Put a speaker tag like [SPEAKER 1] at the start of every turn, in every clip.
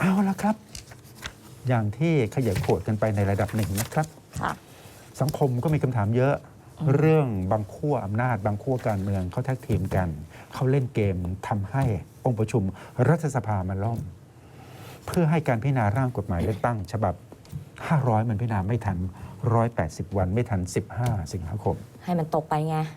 [SPEAKER 1] เอาละครับ อย่างที่ขยายโขดกันไปในระดับหนึ่งนะครับ
[SPEAKER 2] ค่ะ
[SPEAKER 1] สังคมก็มีคำถามเยอะ เรื่องบางขั้วอำนาจบางขั้วการเมืองเขาแท็กทีมกัน เขาเล่นเกมทำให้องค์ประชุมรัฐสภามันล่ม เพื่อให้การพิจารณาร่างกฎหมายเลือกตั้งฉบับ 500 มันพิจารณาไม่ทัน 180 วันไม่ทัน 15 สิงหาคม
[SPEAKER 2] ให้มันตกไปไง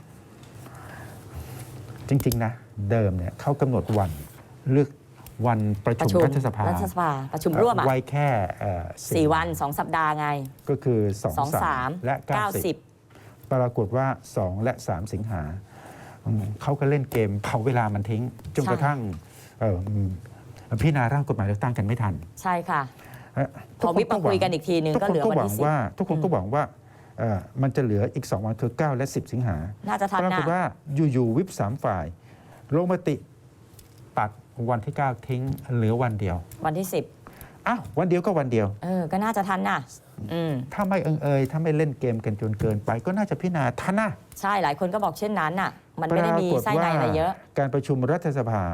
[SPEAKER 1] จริงๆนะเดิมเนี่ยเขากำหนดวันเลือกวันประชุมรัฐสภา
[SPEAKER 2] ประชุมร่วมอ่ะ
[SPEAKER 1] ไว้แค่
[SPEAKER 2] 4 วัน 2 สัปดาห์ไง
[SPEAKER 1] ก็คือ 2
[SPEAKER 2] 2
[SPEAKER 1] 3 และ 90
[SPEAKER 2] 90
[SPEAKER 1] ปรากฏว่า 2 และ 3 สิงหาเขาก็เล่นเกมเผาเวลามันทิ้งจนกระทั่งพิจารณาร่างกฎหมายเลือกตั้งกันไม่ทัน
[SPEAKER 2] ใช่ค่ะ พอวิปมาคุยกันอีกทีนึงก็เหลือวันที่10
[SPEAKER 1] ทุกคนก็หวังว่ามันจะเหลืออีก 2 วันคือ 9 และ 10 สิงหา
[SPEAKER 2] น่าจะทัน
[SPEAKER 1] ปรากฏ
[SPEAKER 2] นะ
[SPEAKER 1] ว่าอยู่ๆวิป3 ฝ่ายลงมติตัดวันที่ 9 ทิ้งเหลือวันเดียว
[SPEAKER 2] วันที่
[SPEAKER 1] อ้าววันเดียวก็วันเดียว
[SPEAKER 2] 10ก็น่าจะทันนะ
[SPEAKER 1] ถ้าไม่ถ้าไม่เล่นเกมกันจนเกินไป ก็น่าจะพิจารณาทันนะ
[SPEAKER 2] ใช่หลายคนก็บอกเช่นนั้นน่ะ มันไม่ได้มีไส้ในอะไรเยอะ
[SPEAKER 1] การประชุมรัฐสภา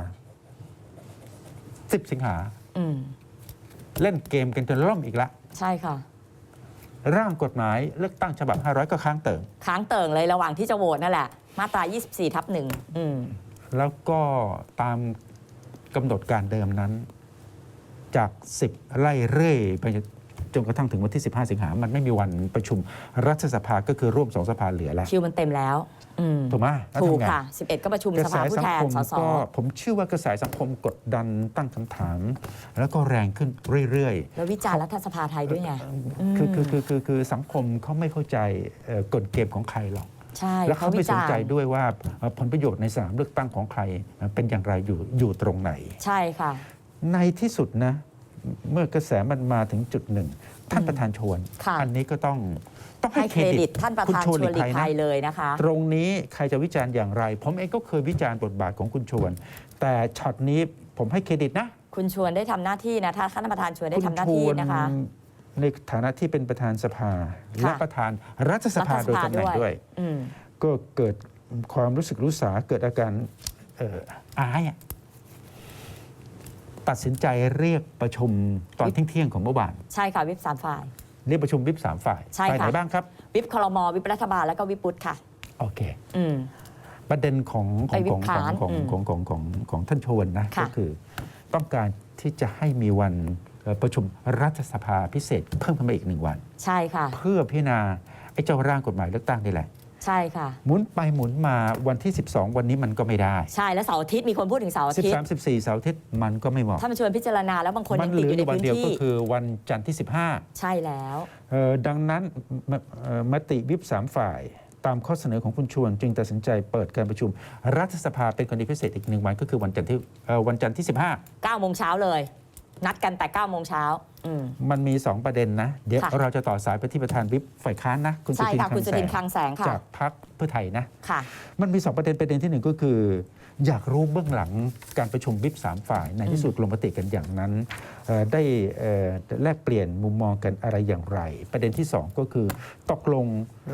[SPEAKER 1] 10 สิงหาเล่นเกมกันจนล่มอีกละ
[SPEAKER 2] ใช่ค่ะ
[SPEAKER 1] ร่างกฎหมายเลือกตั้งฉบับ 500 ก็ค้างเติ่ง
[SPEAKER 2] ค้างเติ่งเลยระหว่างที่จะโหวตนั่นแหละ มาตรา 24/1
[SPEAKER 1] แล้วก็ตามกำหนดการเดิมนั้น จาก 10 ไล่เรื่อยไปจนกระทั่งถึงวันที่ 15 สิงหามันไม่มีวันประชุมรัฐสภาก็คือร่วม2 สภาเหลือแล้ว
[SPEAKER 2] คิวมันเต็มแล้ว
[SPEAKER 1] ถูกไหม
[SPEAKER 2] ถูกค่ะ 11 ก็ประชุมสภาผู้แทนสส
[SPEAKER 1] ผมเชื่อว่ากระแสสังคมกดดันตั้งคำถาม แล้วก็แรงขึ้นเรื่อยๆ
[SPEAKER 2] แล้ววิจารณ์รัฐสภาไทยด้วยไง
[SPEAKER 1] คือสังคมเขาไม่เข้าใจกฎเกมของใครหรอก
[SPEAKER 2] ใช่
[SPEAKER 1] แล้วเขาไม่สนใจด้วยว่าผลประโยชน์ในสนามเลือกตั้งของใครเป็นอย่างไรอยู่ตรงไหน
[SPEAKER 2] ใช่ค่ะ
[SPEAKER 1] ในที่สุดนะเมื่อกระแสมันมาถึงจุดหนึ่งท่านประธานชวน อันนี้ก็ต้องให้เครดิต
[SPEAKER 2] ท่านประธานชวนหลีกภัยเลยนะคะ
[SPEAKER 1] ตรงนี้ใครจะวิจารณ์อย่างไร ผมเองก็เคยวิจารณ์บทบาทของคุณชวน แต่ช็อตนี้ผมให้เครดิตนะ
[SPEAKER 2] คุณชวนได้ทำหน้าที่นะถ้าท่านประธานชวนได้ทำหน้าที่นะคะ
[SPEAKER 1] ในฐานะที่เป็นประธานสภาและประธานรัฐสภาโดยตำแหน่งด้วยก็เกิดความรู้สึกรู้สาเกิดอาการอายตัดสินใจเรียกประชุมตอนเที่ยงของเมื่อวาน
[SPEAKER 2] ใช่ค่ะวิป3 ฝ่าย
[SPEAKER 1] เรียกประชุมวิป3 ฝ่ายฝ่ายไหนบ้างครับ
[SPEAKER 2] วิปครม.วิปรัฐบาลแล้วก็วิปปุตค่ะ
[SPEAKER 1] โอเคประเด็นของท่านชวนนะก็คือต้องการที่จะให้มีวันประชุมรัฐสภาพิเศษเพิ่มขึ้นมาอีก1 วัน
[SPEAKER 2] ใช่ค่ะ
[SPEAKER 1] เพื่อพิจารณาไอ้เจ้าร่างกฎหมายเลือกตั้งนี่แหละ
[SPEAKER 2] ใช่ค่ะ
[SPEAKER 1] หมุนไปหมุนมาวันที่12วันนี้มันก็ไม่ได้
[SPEAKER 2] ใช่แล้วเสาร์อาทิตย์มีคนพูดถึงเสาร์อาทิตย์
[SPEAKER 1] 13 14เสาร์อาทิตย์มันก็ไม่เหมาะ
[SPEAKER 2] ถ้ามันชวนพิจารณาแล้วบางคนยังติดอยู่ในพื้นที่
[SPEAKER 1] มันเหลือวันเดียวก็คือวันจันทร์ที่15
[SPEAKER 2] ใช่แล้ว
[SPEAKER 1] ดังนั้นมติวิป3 ฝ่ายตามข้อเสนอของคุณชวนจึงตัดสินใจเปิดการประชุมรัฐสภาเป็นกรณีพิเศษอีก1 วันก็คือวันจันทร์ที่15
[SPEAKER 2] 9 โมงเช้าเลยนัดกันแต่9 โมงเช้า
[SPEAKER 1] มันมี2 ประเด็นนะเดี๋ยวเราจะต่อสายไปที่ประธานวิปฝ่ายค้านนะ
[SPEAKER 2] คุณสุทินคลังแสง
[SPEAKER 1] จากพรรคเพื่อไทยนะ
[SPEAKER 2] ค่ะ
[SPEAKER 1] มันมี2 ประเด็นที่1ก็คืออยากรู้เบื้องหลังการประชุมวิป3 ฝ่ายในที่สุดลงมติกันอย่างนั้นได้แลกเปลี่ยนมุมมองกันอะไรอย่างไรประเด็นที่2ก็คือตกลง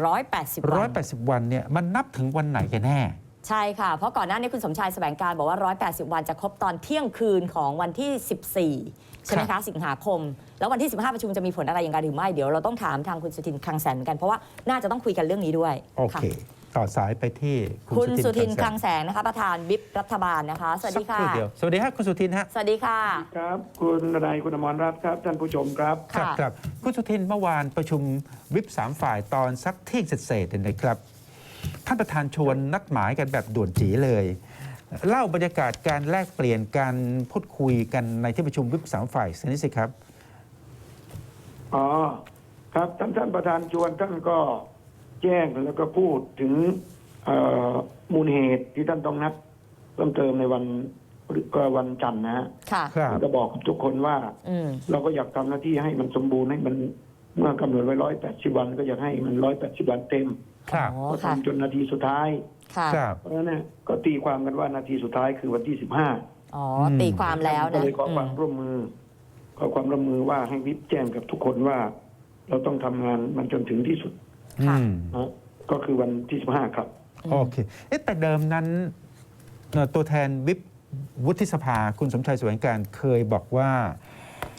[SPEAKER 1] 180 วันเนี่ยมันนับถึงวันไหนกันแน่
[SPEAKER 2] ใช่ค่ะเพราะก่อนหน้านี้คุณสมชายแสวงการบอกว่า180 วันจะครบตอนเที่ยงคืนของวันที่14ใช่ไหมคะสิงหาคมแล้ววันที่15ประชุมจะมีผลอะไรอย่างไรหรือไม่เดี๋ยวเราต้องถามทางคุณสุทินคลังแสงกันเพราะว่าน่าจะต้องคุยกันเรื่องนี้ด้วย
[SPEAKER 1] โอเคต่อสายไปที่
[SPEAKER 2] คุณสุทินคลังแสงนะคะประธานวิปรัฐบาลนะคะสวัสดีค่ะ
[SPEAKER 1] สวัสดีครับคุณสุทินฮะ
[SPEAKER 2] สวัสดีค่ะ
[SPEAKER 3] ครับคุณนายคุณอมรรัตน์ครับท่านผู้ชมครับ
[SPEAKER 1] ครับคุณสุทินเมื่อวานประชุมวิป3 ฝ่ายตอนสักเที่ยงเศษๆนะครับท่านประธานชวนนัดหมายกันแบบด่วนจีเลยเล่าบรรยากาศการแลกเปลี่ยนการพูดคุยกันในที่ประชุมวิป3 ฝ่ายสักนิดสิครับ
[SPEAKER 3] อ๋อครับท่านประธานชวนท่านก็แจ้งแล้วก็พูดถึงมูลเหตุที่ท่านต้องนัดเพิ่มเติมในวันจันทร์นะฮะจะบอกทุกคนว่าเราก็อยากทำหน้าที่ให้มันสมบูรณ์ให้มันเมื่อกำหนดไว้180 วันก็อยากให้มัน180 วันเต็มก็ทำจนนาทีสุดท้ายเพราะฉะนั้นก็ตีความกันว่านาทีสุดท้ายคือวันที่15
[SPEAKER 2] ตีความแล้วนะ
[SPEAKER 3] ก็เลยขอความร่วมมือว่าให้วิปแจ้งกับทุกคนว่าเราต้องทำงานมันจนถึงที่สุดก็คือวันที่15ครับ
[SPEAKER 1] โอเคแต่เดิมนั้นตัวแทนวิปวุฒิสภาคุณสมชายแสวงการเคยบอกว่า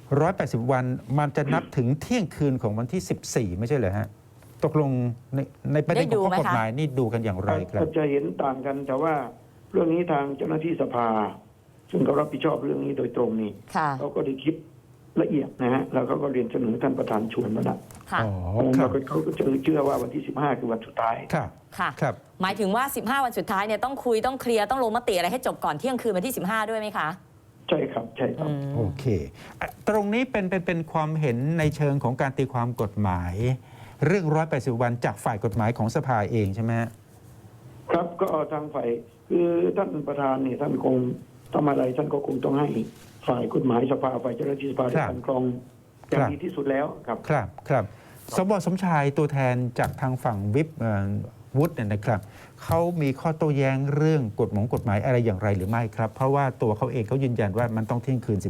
[SPEAKER 1] 180 วันมันจะนับถึงเที่ยงคืนของวันที่ 14 ไม่ใช่เหรอฮะ ตกลงในประเด็นของข้อกฎหมายนี่ดูกันอย่างไรครับ
[SPEAKER 3] ก็จะเห็นต่างกันแต่ว่าเรื่องนี้ทางเจ้าหน้าที่สภา ซึ่งเขารับผิดชอบเรื่องนี้โดยตรงนี่
[SPEAKER 2] ค่ะ
[SPEAKER 3] เขาก็ได้คิดละเอียดนะฮะแล้วเขาก็เรียนเสนอท่านประธานชวนมาแล้ว
[SPEAKER 2] ค่ะ
[SPEAKER 1] อ๋อ ครั
[SPEAKER 3] แล้
[SPEAKER 1] บ
[SPEAKER 3] วก็เขาก็เชื่อว่าวันที่ 15 คือวันสุดท้าย
[SPEAKER 1] ครับ
[SPEAKER 2] ค่ะ
[SPEAKER 1] ครับ
[SPEAKER 2] หมายถึงว่า 15 วันสุดท้ายเนี่ยต้องคุยต้องเคลียร์ต้องลงมติอะไรให้จบก่อนเที่ยงคืนวันที่ 15 ด้วยไหมคะ
[SPEAKER 3] ใช่ครับใช่ครับ
[SPEAKER 1] โอเคตรงนี้เป็นความเห็นในเชิงของการตีความกฎหมาย เรื่อง 180 วันจากฝ่ายกฎหมายของสภาเองใช่ไหมฮะ
[SPEAKER 3] ครับก็ทางฝ่ายคือท่านประธานเนี่ยท่านคงทำอะไรท่านก็คงต้องให้ฝ่ายกฎหมายสภาฝ่ายเจ้าหน้าที่สภาได้กันกรองอย่างดีที่สุดแล้วครับ
[SPEAKER 1] ครับครับสบสมชายตัวแทนจากทางฝั่งวิปวุฒิเนี่ยนะครับเขามีข้อโต้แย้งเรื่องกฎหมายอะไรอย่างไรหรือไม่ครับ เพราะว่าตัวเขาเองเขายืนยันว่ามันต้องเที่ยงคืน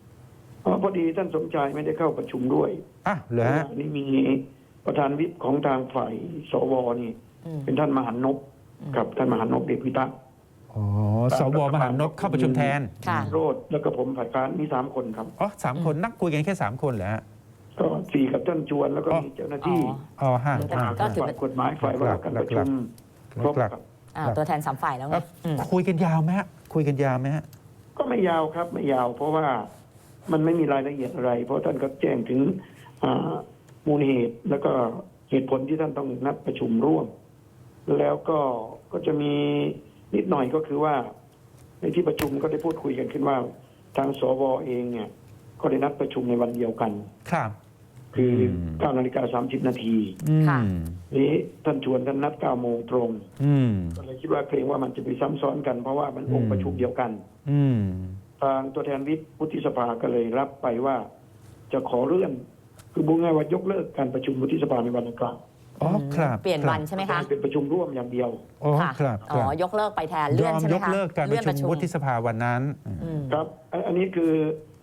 [SPEAKER 1] 14
[SPEAKER 3] พอดีท่านสมชายไม่ได้เข้าประชุมด้วย
[SPEAKER 1] อ่ะเหรอฮะ
[SPEAKER 3] นี่มีประธานวิปของทางฝ่ายสวนี่
[SPEAKER 2] อืม
[SPEAKER 3] เป็นท่านมหานพกับท่านมหานพเดชพิทักษ์
[SPEAKER 1] อ๋อสวมหานพเข้าประชุมแทน
[SPEAKER 2] ค่ะ
[SPEAKER 3] โรดแล้วก็ผมฝ่ายค้านมี3 คนครับ
[SPEAKER 1] อ๋อ3 คนนักคุยกันแค่ 3 คนเหรอฮะ
[SPEAKER 3] ก็4กับท่านชวนแล้วก็มีเจ้าหน้าที่
[SPEAKER 1] อ๋อห้า
[SPEAKER 2] ก็ถือ
[SPEAKER 3] ฝ่ายกฎหมายฝ่ายว่าการประชุมครบครับ
[SPEAKER 2] ตัวแทน3ฝ่ายแล้วไงอืม
[SPEAKER 1] คุยกันยาวไหมฮะคุยกันยาวไหมฮะ
[SPEAKER 3] ก็ไม่ยาวครับไม่ยาว เพราะว่ามันไม่มีรายละเอียดอะไร เพราะท่านก็แจ้งถึงมูลเหตุแล้วก็เหตุผลที่ท่านต้องนัดประชุมร่วม แล้วก็จะมีนิดหน่อยก็คือว่า ในที่ประชุมก็ได้พูดคุยกันขึ้นว่า ทางสวเองเนี่ย ก็ได้นัดประชุมในวันเดียวกัน
[SPEAKER 1] ครับ
[SPEAKER 3] คือ
[SPEAKER 1] ม
[SPEAKER 3] 9:30 นาที
[SPEAKER 2] ค่ะ
[SPEAKER 3] นี้ท่านชวนท่านนัด 9 โมงตรง
[SPEAKER 1] อืม
[SPEAKER 3] ก็เลยคิดว่าเกรงว่ามันจะไปซ้ำซ้อนกันเพราะว่ามันองค์ประชุมเดียวกัน
[SPEAKER 1] อืม
[SPEAKER 3] ทางตัวแทนวิปวุฒิสภาก็เลยรับไปว่า จะขอเลื่อน คือบุญง่ายว่ายกเลิกการประชุมวุฒิสภาในวันดังกล่าว
[SPEAKER 1] อ๋อครับ
[SPEAKER 2] เปลี่ยนวันใช่ไหมคะ
[SPEAKER 3] เป็นประชุมร่วมอย่างเดียว
[SPEAKER 1] อ๋อ
[SPEAKER 2] ค่ะ
[SPEAKER 1] ครับ
[SPEAKER 2] อ๋อยกเลิกไปแทนเลื่
[SPEAKER 1] ย
[SPEAKER 2] อน
[SPEAKER 1] อม
[SPEAKER 2] ใช่ไหม
[SPEAKER 1] ยก
[SPEAKER 2] คะ
[SPEAKER 1] เลิกการประ
[SPEAKER 2] เลื่อน
[SPEAKER 1] ชุมวุฒิสภาวันนั้น
[SPEAKER 2] อืม
[SPEAKER 3] ครับ อันนี้คือ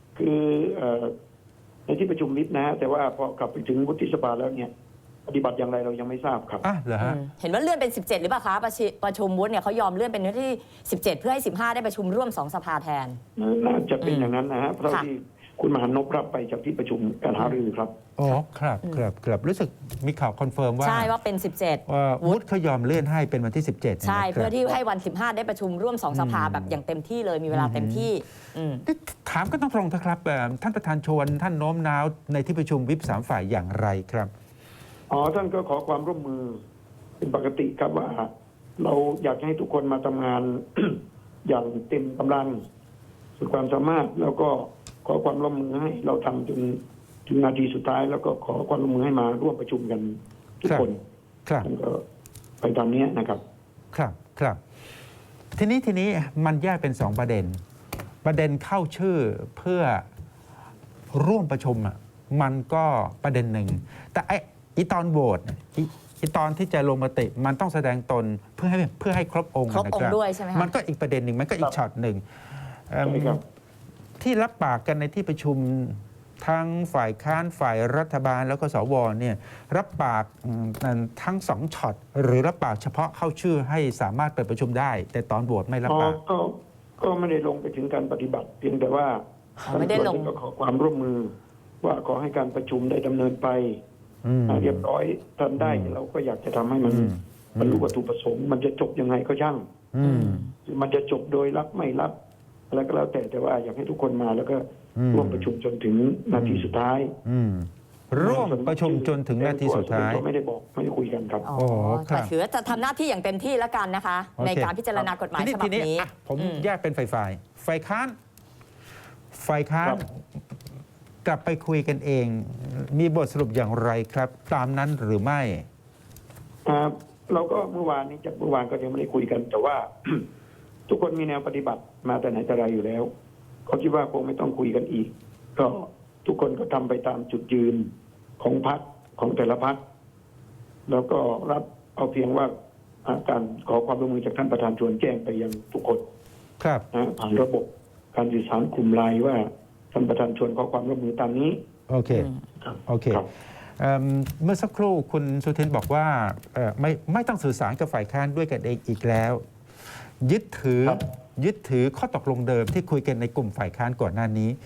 [SPEAKER 3] ในที่ประชุมวิปนะฮะแต่ว่าพอกลับไปถึงวุฒิสภาแล้วเนี่ยปฏิบัติอย่างไรเรายังไม่ทราบครับ
[SPEAKER 1] อ่ะเหรอฮะ
[SPEAKER 2] เห็นว่าเลื่อนเป็น 17 หรือเปล่าคะประชุมวุฒิเนี่ยเขายอมเลื่อนเป็นวันที่ 17 เพื่อให้ 15 ได้ประชุมร่วม 2 สภาแทน
[SPEAKER 3] น่าจะเป็นอย่างนั้นนะฮะเพราะ
[SPEAKER 2] ค่ะ
[SPEAKER 3] ที่คุณมหานพรับไปจากที่ประชุมการหารือครับ
[SPEAKER 1] อ๋อครับครับครับรู้สึกมีข่าวคอนเฟิร์มว่า
[SPEAKER 2] ใช่ว่าเป็น
[SPEAKER 1] วุฒิเขายอมเลื่อนให้เป็นวันที่ 17
[SPEAKER 2] 17 ใช่
[SPEAKER 1] นะครับ
[SPEAKER 2] เพื่อที่ให้วัน 15 ได้ประชุมร่วม 2 สภาแบบอย่างเต็มที่เลยมีเวลาเต็มที่อืม
[SPEAKER 1] ถามก็ต้องตรงนะครับท่านประธานชวนท่านโน้มน้าวในที่ประชุมวิป3 ฝ่ายอย่างไรครับ
[SPEAKER 3] ท่านก็ขอความร่วมมือเป็นปกติครับว่า เราอยากให้ทุกคนมาทำงาน อย่างเต็มกำลังสุดความสามารถ แล้วก็ขอความร่วมมือให้เราทำจนถึงนาทีสุดท้าย แล้วก็ขอความร่วมมือให้มาร่วมประชุมกันทุกคน
[SPEAKER 1] ครับ
[SPEAKER 3] ท่านก็ไปตามนี้นะครับ
[SPEAKER 1] ครับครับทีนี้มันแยกเป็น 2 ประเด็น ประเด็นเข้าชื่อเพื่อร่วมประชุมอ่ะมันก็ประเด็นหนึ่ง แต่ไอ้ตอนโหวตไอ้ตอนที่จะลงมติมันต้องแสดงตนเพื่อให้ครบองค์
[SPEAKER 2] ครบองค์
[SPEAKER 1] นะ
[SPEAKER 2] ด้วยใช่ไหมคะ
[SPEAKER 1] มันก็อีกประเด็นหนึ่งมันก็อีกช็อตหนึ่ง
[SPEAKER 3] ใช่ครับ
[SPEAKER 1] ที่รับปากกันในที่ประชุมทั้งฝ่ายค้านฝ่ายรัฐบาลแล้วก็สวเนี่ยรับปากทั้ง2ช็อตหรือรับปากเฉพาะเข้าชื่อให้สามารถเปิดประชุมได้ แต่ตอนโหวตไม่รับปาก
[SPEAKER 3] ก็ไม่ได้ลงไปถึงการปฏิบัติ เพียงแต่ว่า
[SPEAKER 2] ไม่ได้ลง
[SPEAKER 3] ท่านก็ขอความร่วมมือ ว่าขอให้การประชุมได้ดำเนินไป
[SPEAKER 1] อืม
[SPEAKER 3] เรียบร้อยทำได้เราก็อยากจะทำให้มัน
[SPEAKER 1] อืม
[SPEAKER 3] บรรลุวัตถุประสงค์ มันจะจบยังไงก็ช่าง
[SPEAKER 1] อืม
[SPEAKER 3] มันจะจบโดยรับไม่รับอะไรก็แล้วแต่ว่าอยากให้ทุกคนมาแล้วก็
[SPEAKER 1] อืม
[SPEAKER 3] ร่วมประชุมจนถึงนาทีสุดท้าย
[SPEAKER 1] อืมร่วมประชุมจนถึงนาทีสุดท้าย
[SPEAKER 3] ไม่ได้บอกไม่ได้คุยกันครับ
[SPEAKER 2] อ๋อ
[SPEAKER 1] โอ้ครับ
[SPEAKER 2] แต่ถือว่าจะทำหน้าที่อย่างเต็มที่แล้วกันนะคะ
[SPEAKER 1] โอเค
[SPEAKER 2] ในการพิจารณากฎหมายฉบับนี้
[SPEAKER 1] อ่ะผม
[SPEAKER 2] อืม
[SPEAKER 1] แยกเป็นฝ่ายค้าน
[SPEAKER 3] ครับ
[SPEAKER 1] กลับไปคุยกันเอง มีบทสรุปอย่างไรครับ ตามนั้นหรือไม่
[SPEAKER 3] เราก็เมื่อวานก็ยังไม่ได้คุยกัน แต่ว่า ทุกคนมีแนวปฏิบัติมาแต่ไหนแต่ไรอยู่แล้วเขาคิดว่าคงไม่ต้องคุยกันอีก ก็ทุกคนก็ทำไปตามจุดยืนของพรรคของแต่ละพรรคแล้วก็รับเอาเพียงว่าการขอความร่วมมือจากท่านประธานชวนแจ้งไปยังทุกคน
[SPEAKER 1] ครับ
[SPEAKER 3] นะผ่านระบบการสื่อสารกลุ่มไลน์ว่าท่านประธานชวนขอความร่วมมือตามนี้
[SPEAKER 1] โอเค
[SPEAKER 3] ครับ
[SPEAKER 1] โอเค
[SPEAKER 3] ครับ
[SPEAKER 1] เมื่อสักครู่คุณสุทินบอกว่าไม่ต้องสื่อสารกับฝ่ายค้านด้วยกันเองอีกแล้ว ยึดถือ
[SPEAKER 3] ครับ
[SPEAKER 1] ข้อตกลงเดิมที่คุยกันในกลุ่มฝ่ายค้านก่อนหน้านี้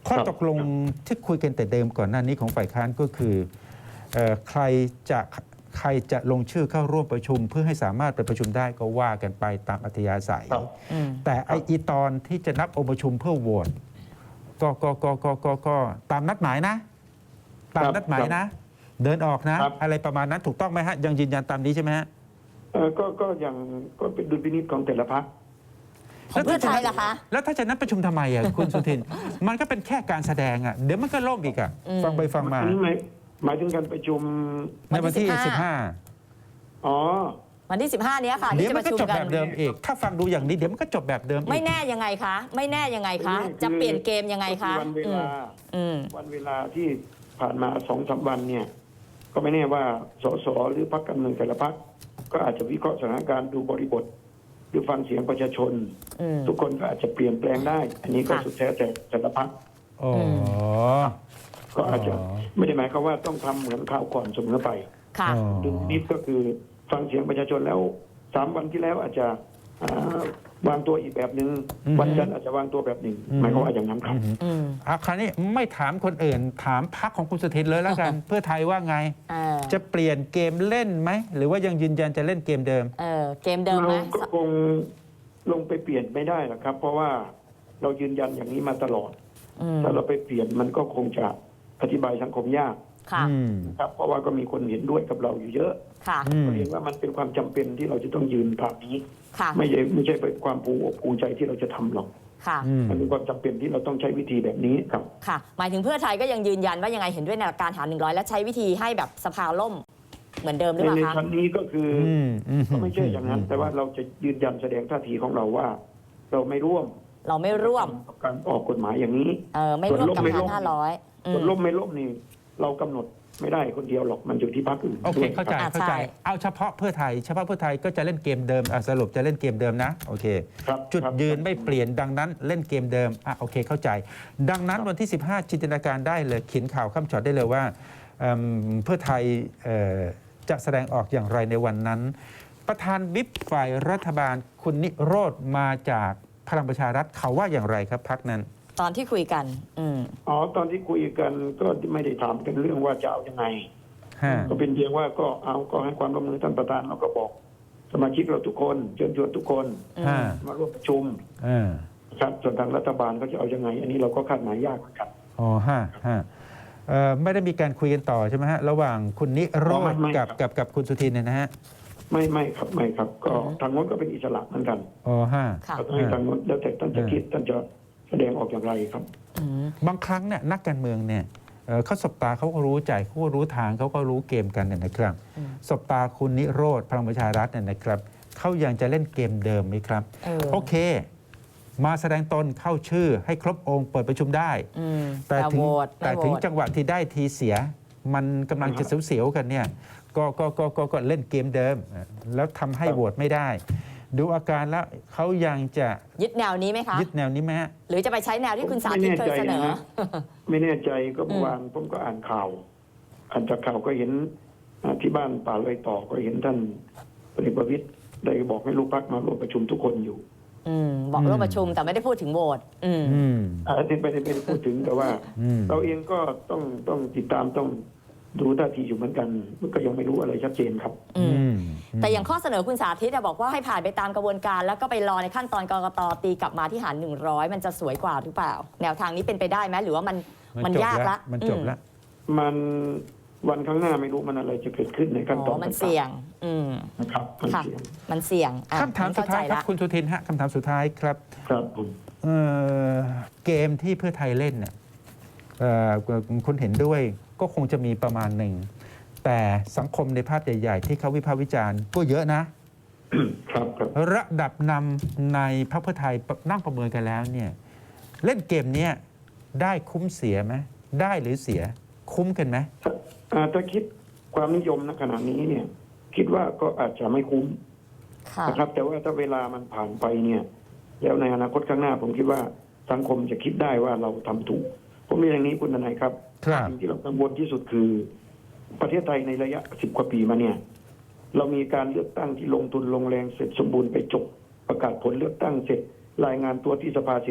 [SPEAKER 1] ข้อตกลงที่คุยกันแต่เดิมก่อนหน้านี้ของฝ่ายค้านก็คือใครจะลงชื่อเข้าร่วมประชุม เพื่อให้สามารถไปประชุมได้ก็ว่ากันไปตามอัธยาศัย
[SPEAKER 3] ครับ
[SPEAKER 1] แต่ไอตอนที่จะนับองค์ประชุมเพื่อโหวตก็ตามนัดหมายนะ ตามนัดหมายนะ เดินออกนะ อะไรประมาณนั้นถูกต้องไหมฮะยังยืนยันตามนี้ใช่ไหมฮะ
[SPEAKER 3] ก็อย่างก็เป็นดุลพินิจของแต่ละพรรค
[SPEAKER 2] ของเพื่อไทยล่ะคะ
[SPEAKER 1] แล้วถ้าจะนัดประชุมทำไมอ่ะ คุณสุทิน มันก็เป็นแค่การแสดงอ่ะเดี๋ยวมันก็ล่มอีกอ่ะฟังไปฟังมา
[SPEAKER 3] อันนี้หมายถึงการประชุม
[SPEAKER 1] ในวันที่
[SPEAKER 3] อ๋อ
[SPEAKER 2] วันที่ 15 เนี้ยค่ะ
[SPEAKER 1] 15 เดี๋ยว
[SPEAKER 2] ที่จะ
[SPEAKER 1] มั
[SPEAKER 2] ป
[SPEAKER 1] น
[SPEAKER 2] ระ
[SPEAKER 1] ก็
[SPEAKER 2] ชุม
[SPEAKER 1] จบ
[SPEAKER 2] กั
[SPEAKER 1] แบ
[SPEAKER 2] น
[SPEAKER 1] บเดิมอีก ถ้าฟังดูอย่างนี้เดี๋ยวมันก็จบแบบเดิมอีก
[SPEAKER 2] ไม่แน่ยังไงคะไม่แน่ยังไงคะจะเปลี่ยนเกมยังไงคะ
[SPEAKER 3] วันเวลา
[SPEAKER 2] อืม
[SPEAKER 3] วันเวลาที่ผ่านมา2-3 วันเนี่ย ก็ไม่แน่ว่าสสหรือพรรคการเมืองแต่ละพรรคก็อาจจะวิเคราะห์สถานการณ์ดูบริบทหรือฟังเสียงประชาชน
[SPEAKER 2] อืม
[SPEAKER 3] ทุกคนก็อาจจะเปลี่ยนแปลงได้ อันนี้ก็
[SPEAKER 2] ค่ะ
[SPEAKER 3] สุดแท้แต่แต่ละพรรค
[SPEAKER 1] อ๋อ
[SPEAKER 3] ก็อาจจะ
[SPEAKER 1] อ๋อ
[SPEAKER 3] ไม่ได้หมายความว่าต้องทำเหมือนข่าวก่อนเสมอไป
[SPEAKER 2] ค่ะ
[SPEAKER 1] อ๋อ
[SPEAKER 3] ดุลพินิจก็คือฟังเสียงประชาชนแล้ว3 วันที่แล้วอาจจะวางตัวอีกแบบหนึ่งวันจันทร์อาจจะวางตัวแบบหนึ่งหมายความว่าอย่างนั้นครับ
[SPEAKER 2] อืม
[SPEAKER 1] คราวนี้ไม่ถามคนอื่น ถามพรรคของคุณสุทินเลยแล้วกัน เพื่อไทยว่าไง จะเปลี่ยนเกมเล่นไหม หรือว่ายังยืนยันจะเล่นเกมเดิม
[SPEAKER 2] เกมเดิมไหม
[SPEAKER 3] เราก็คงลงไปเปลี่ยนไม่ได้หรอกครับ เพราะว่าเรายืนยันอย่างนี้มาตลอด
[SPEAKER 2] อืม
[SPEAKER 3] ถ้าเราไปเปลี่ยนมันก็คงจะอธิบายสังคมยาก
[SPEAKER 2] ค่ะ
[SPEAKER 1] อืม
[SPEAKER 3] ครับ เพราะว่าก็มีคนเห็นด้วยกับเราอยู่เยอะ
[SPEAKER 2] ค่ะ
[SPEAKER 1] อืม
[SPEAKER 3] ก็เห็นว่ามันเป็นความจำเป็นที่เราจะต้องยืนตามนี้
[SPEAKER 2] ค่ะ
[SPEAKER 3] ไม่ใช่เป็นความภูมิอกภูมิใจที่เราจะทำหรอก
[SPEAKER 2] ค่ะ
[SPEAKER 1] อืม
[SPEAKER 3] มันเป็นความจำเป็นที่เราต้องใช้วิธีแบบนี้ครับ
[SPEAKER 2] ค่ะ หมายถึงเพื่อไทยก็ยังยืนยันว่ายังไงเห็นด้วยในหลักการหาร100 และใช้วิธีให้แบบสภาล่มเหมือนเดิมหรือเปล่า
[SPEAKER 3] ใน
[SPEAKER 2] คะ
[SPEAKER 3] ชั้นนี้ก็คืออ
[SPEAKER 1] อืม
[SPEAKER 3] ก็ไม่ใช่อย่างนั้น แต่ว่าเราจะยืนยันแสดงท่าทีของเราว่า เราไม่ร่วม
[SPEAKER 2] เราไม่ร่วม
[SPEAKER 3] กับการออกกฎหมายอย่างนี้
[SPEAKER 2] ไม่ร่วมกับ
[SPEAKER 3] ไม่
[SPEAKER 2] หาร
[SPEAKER 3] ร่วม
[SPEAKER 2] 500อื
[SPEAKER 3] ส่วน
[SPEAKER 2] ม
[SPEAKER 3] ล่มไม่ล่มนี่เรากำหนดไม่ได้คนเดียวหรอกมันอยู่ที่พรรคอื่น
[SPEAKER 1] โอเค
[SPEAKER 3] ด้วย
[SPEAKER 1] เข้าใจ
[SPEAKER 2] อ่ะ
[SPEAKER 1] เข้าใจ
[SPEAKER 2] ใช่
[SPEAKER 1] เอาเฉพาะเพื่อไทยก็จะเล่นเกมเดิมสรุปจะเล่นเกมเดิมนะ โอเค
[SPEAKER 3] ครับ
[SPEAKER 1] จุด
[SPEAKER 3] ครับ
[SPEAKER 1] ยืนไม่เปลี่ยนดังนั้นเล่นเกมเดิมโอเคเข้าใจ ดังนั้นวันที่ 15 จินตนาการได้เลยเขียนข่าวข้ามช็อตได้เลยว่าเพื่อไทยจะแสดงออกอย่างไรในวันนั้น ประธานวิปฝ่ายรัฐบาลคุณนิโรธมาจากพลังประชารัฐเขาว่าอย่างไรครับพักนั้น
[SPEAKER 2] ตอนที่คุยกัน อืม
[SPEAKER 3] อ๋อตอนที่คุยกันก็ไม่ได้ถามกันเรื่องว่าจะเอายังไง
[SPEAKER 1] ฮะ
[SPEAKER 3] ก็เป็นเพียงว่าก็ให้ความร่วมมือท่านประธานแล้วก็บอก สมาชิกเราทุกคนเชิญชวนทุกคน
[SPEAKER 1] ฮะ
[SPEAKER 3] มาร่วมประชุม
[SPEAKER 1] เออ
[SPEAKER 3] ครับส่วนทางรัฐบาลเขาจะเอายังไง อันนี้เราก็คาดหมายยากเหมือนกัน
[SPEAKER 1] อ๋อฮะไม่ได้มีการคุยกันต่อใช่ไหมฮะระหว่างคุณนิโรธ
[SPEAKER 3] ไม่
[SPEAKER 1] กับคุณสุทินเนี่ยนะฮะ
[SPEAKER 3] ไม่ครับ ก็ทางโน้นก็เป็นอิสระเหมือนกัน
[SPEAKER 1] อ๋อฮะ
[SPEAKER 2] ค่ะ
[SPEAKER 3] เราต้องให้ทางโน้นแล้วแต่ท่านจะคิดท่านจะแสดงออกอย่างไรครับ
[SPEAKER 2] อืม
[SPEAKER 1] บางครั้งเนี่ยนักการเมืองเนี่ยเขาสบตาเขาก็รู้ใจเขาก็รู้ทางเขาก็รู้เกมกันเนี่ยนะครับ
[SPEAKER 2] อืม
[SPEAKER 1] สบตาคุณนิโรธพลังประชารัฐเนี่ยนะครับเขายังจะเล่นเกมเดิมไหมครับ โอเค มาแสดงตนเข้าชื่อให้ครบองค์เปิดประชุมได้
[SPEAKER 2] อืม
[SPEAKER 1] แต่ถึง
[SPEAKER 2] โหวต
[SPEAKER 1] แต่
[SPEAKER 2] ไม่โหว
[SPEAKER 1] ถึง
[SPEAKER 2] ต
[SPEAKER 1] จังหวะที่ได้ทีเสีย มันกำลังจะเสียวๆกันเนี่ยก็เล่นเกมเดิม แล้วทำให้
[SPEAKER 3] ครับ
[SPEAKER 1] โหวตไม่ได้ ดูอาการแล้วเขายังจะ
[SPEAKER 2] ยึดแนวนี้ไหมคะ
[SPEAKER 1] ยึดแนวนี้ไหมฮะ
[SPEAKER 2] หรือจะไปใช้แนวที่คุณสาธิตเคยเสนอ
[SPEAKER 3] ไม่แน่ใจก็เมื่อวานผมก็อ่านข่าวจากข่าวก็เห็นที่บ้านป่าเลยต่อก็เห็นท่านพลเอกประวิตรได้บอกให้ลูกพรรคมาร่วมประชุมทุกคนอยู่
[SPEAKER 2] บอกร่วมประชุมแต่ไม่ได้พูดถึงโหวตอืม
[SPEAKER 1] อืม
[SPEAKER 3] อันนี้ไม่ได้พูดถึงแต่ว่า
[SPEAKER 1] อืม
[SPEAKER 3] เราเองก็ต้องติดตามต้องดูท่าทีอยู่เหมือนกันมันก็ยังไม่รู้อะไรชัดเจนครับ
[SPEAKER 2] อืม
[SPEAKER 1] อืม
[SPEAKER 2] แต่อย่างข้อเสนอคุณสาธิตอะบอกว่าให้ผ่านไปตามกระบวนการ แล้วก็ไปรอในขั้นตอนกกตตีกลับมาที่หาร100 มันจะสวยกว่าหรือเปล่า แนวทางนี้เป็นไปได้ไหมหรือว่ามันยากละ
[SPEAKER 1] มันจบละ
[SPEAKER 3] มันวันข้างหน้าไม่รู้มันอะไรจะเกิดขึ้นในขั้นตอน
[SPEAKER 2] มันเสี่ยง อืม
[SPEAKER 3] นะครับมัน
[SPEAKER 2] ค่ะ
[SPEAKER 3] เสี่ยง
[SPEAKER 2] มันเสี่ยงอ่ะ
[SPEAKER 1] คำถามสุดท้ายครับ
[SPEAKER 2] เข้ใจละ
[SPEAKER 1] คุณสุทินฮะคำถามสุดท้ายครับ
[SPEAKER 3] ครับผม
[SPEAKER 1] เกมที่เพื่อไทยเล่นเนี่ยคุณเห็นด้วยก็คงจะมีประมาณหนึ่ง แต่สังคมในภาพใหญ่ ๆ ที่เขาวิพากษ์วิจารณ์ก็เยอะนะ
[SPEAKER 3] ครับ
[SPEAKER 1] ระดับนำในพรรคเพื่อไทยนั่งประเมินกันแล้วเนี่ยเล่นเกมเนี้ยได้คุ้มเสียไหมได้หรือเสียคุ้มกันไหม
[SPEAKER 3] ถ้าคิดความนิยมณขณะนี้เนี่ย คิดว่าก็อาจจะไม่คุ้ม
[SPEAKER 2] ค่ะ
[SPEAKER 3] นะครับ แต่ว่าถ้าเวลามันผ่านไปเนี่ย แล้วในอนาคตข้างหน้า ผมคิดว่าสังคมจะคิดได้ว่าเราทำถูก ผมเรียนอย่างนี้คุณทนายครับ
[SPEAKER 1] ครับ
[SPEAKER 3] สิ่งที่เรากังวลที่สุดคือ ประเทศไทยในระยะ10 กว่าปีมาเนี่ย เรามีการเลือกตั้งที่ลงทุนลงแรงเสร็จสมบูรณ์ไปจบประกาศผลเลือกตั้งเสร็จรายงานตัวที่สภาเสร็จ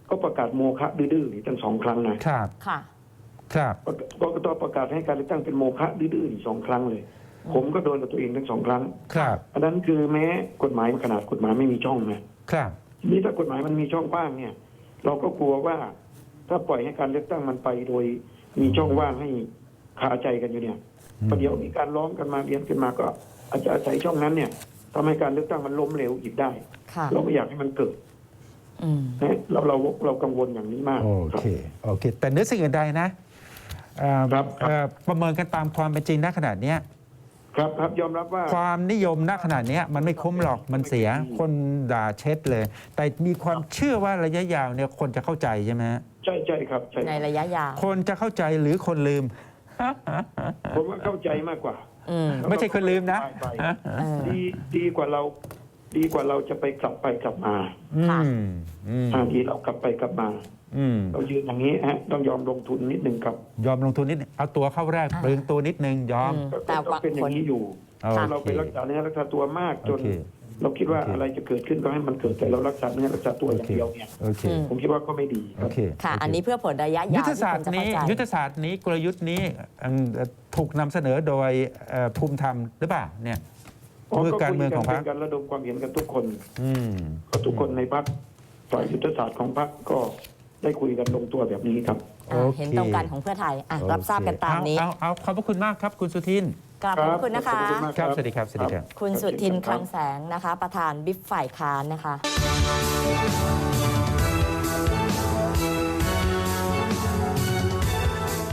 [SPEAKER 3] ก็ประกาศโมฆะดื้อๆนี่ตั้ง2 ครั้งนะครับ
[SPEAKER 2] ค่ะ
[SPEAKER 1] ครับ
[SPEAKER 3] กกตประกาศให้การเลือกตั้งเป็นโมฆะดื้อๆอีก2 ครั้งเลย ผมก็โดนกับตัวเองทั้ง2 ครั้ง
[SPEAKER 1] ครับ
[SPEAKER 3] อันนั้นคือแม้กฎหมายขนาดกฎหมายไม่มีช่องนะครับ ทีนี้ถ้ากฎหมายมันมีช่องว่างเนี่ย เราก็กลัวว่าถ้าปล่อยให้การเลือกตั้งมันไปโดยมีช่องว่างให้คาใจกันอยู่เนี่ยประเดี๋ยวมีการร้องกันมาเรียนกันมาก็อาจจะอาศัยช่องนั้นเนี่ยทำให้การเลือกตั้งมันล้มเหลวอีกได้
[SPEAKER 2] ค่ะ
[SPEAKER 3] เราไม่อยากให้มันเกิด
[SPEAKER 2] อืม
[SPEAKER 3] นะเรากังวลอย่างนี้มาก
[SPEAKER 1] โอ
[SPEAKER 3] ครับ
[SPEAKER 1] เค โอเค แต่เนื้อสิ่งอื่นใดนะ
[SPEAKER 3] ครับ
[SPEAKER 1] ประเมินกันตามความเป็นจริงณขนาดเนี้ย
[SPEAKER 3] ครับยอมรับว่า
[SPEAKER 1] ความนิยมณขนาดเนี้ยมันไม่คุ้มหรอก มันเสีย คนด่าเช็ดเลย แต่มีความเชื่อว่าระยะยาวเนี่ยคนจะเข้าใจใช่ไหมฮะ
[SPEAKER 3] ใช่ครับใช่
[SPEAKER 2] ในระยะยาว
[SPEAKER 1] คนจะเข้าใจหรือคนลืม
[SPEAKER 3] ผมว่าเข้าใจมากกว่า
[SPEAKER 2] อืม
[SPEAKER 1] ไม่ใช่คนลืมนะ
[SPEAKER 3] ไป
[SPEAKER 2] เออ
[SPEAKER 3] ดีกว่าเราจะไปกลับไปกลับมา
[SPEAKER 2] ค่ะ
[SPEAKER 3] ดีเรากลับไปกลับมา เรายืนอย่างนี้ต้องยอมลงทุนนิดนึงครับ
[SPEAKER 1] ยอมลงทุนนิดนึงเอาตัวเข้าแรก
[SPEAKER 2] อ่า
[SPEAKER 1] เปลืองตัวนิดนึงยอม
[SPEAKER 2] แต่
[SPEAKER 3] ก็ต้องเป็นอย่างนี้อยู่
[SPEAKER 1] โอเค
[SPEAKER 3] เราไปรักษาเนื้อรักษาตัวมากจน
[SPEAKER 1] โอเค
[SPEAKER 3] เราคิดว่า
[SPEAKER 1] โอเค
[SPEAKER 3] อะไรจะเกิดขึ้นก็ให้มันเกิดแต่เรารักษาเนื้อรักษาตัวอย่างเดียวเนี่ย
[SPEAKER 1] โอเค
[SPEAKER 3] ผมคิดว่าก็ไม่ดีค
[SPEAKER 1] โอ
[SPEAKER 3] รับ
[SPEAKER 1] เค
[SPEAKER 2] ค่ะ
[SPEAKER 1] โเค
[SPEAKER 2] อันนี้เพื่อผลระยะ
[SPEAKER 1] ยุ
[SPEAKER 2] ยา
[SPEAKER 1] ท
[SPEAKER 2] ว
[SPEAKER 1] ธ
[SPEAKER 2] ที่
[SPEAKER 1] ศาส
[SPEAKER 2] ค
[SPEAKER 1] ต
[SPEAKER 2] น
[SPEAKER 1] ร์
[SPEAKER 2] จะ
[SPEAKER 1] นี้
[SPEAKER 2] เข้าใจ
[SPEAKER 1] ยุทธศาสตร์นี้กลยุทธ์นี้ถูกนำเสนอโดยภูมิธรรมหรือเปล่าเนี่ยมือการเมืองของพรรค
[SPEAKER 3] เป็นการระดมความเห็นกันทุกคน
[SPEAKER 1] อืม
[SPEAKER 3] ก็ทุกคนในพรรคฝ่ายยุทธศาสตร์ของพรรคก็ได้คุยกันลงตัวแบบนี้ครับ
[SPEAKER 2] อ่ะเห็นตรงกันของเพื่อไทยอ่ะรับทราบกันตามนี้
[SPEAKER 1] เอาขอบพระคุณมากครับคุณสุทิน
[SPEAKER 2] กราบขอบคุณนะคะ
[SPEAKER 3] ขอบคุณมาก
[SPEAKER 1] ครับสวัสดีครับสวัสดีครับ
[SPEAKER 2] คุณสุทินคลังแสงนะคะ ประธานบิ๊กฝ่ายค้านนะคะ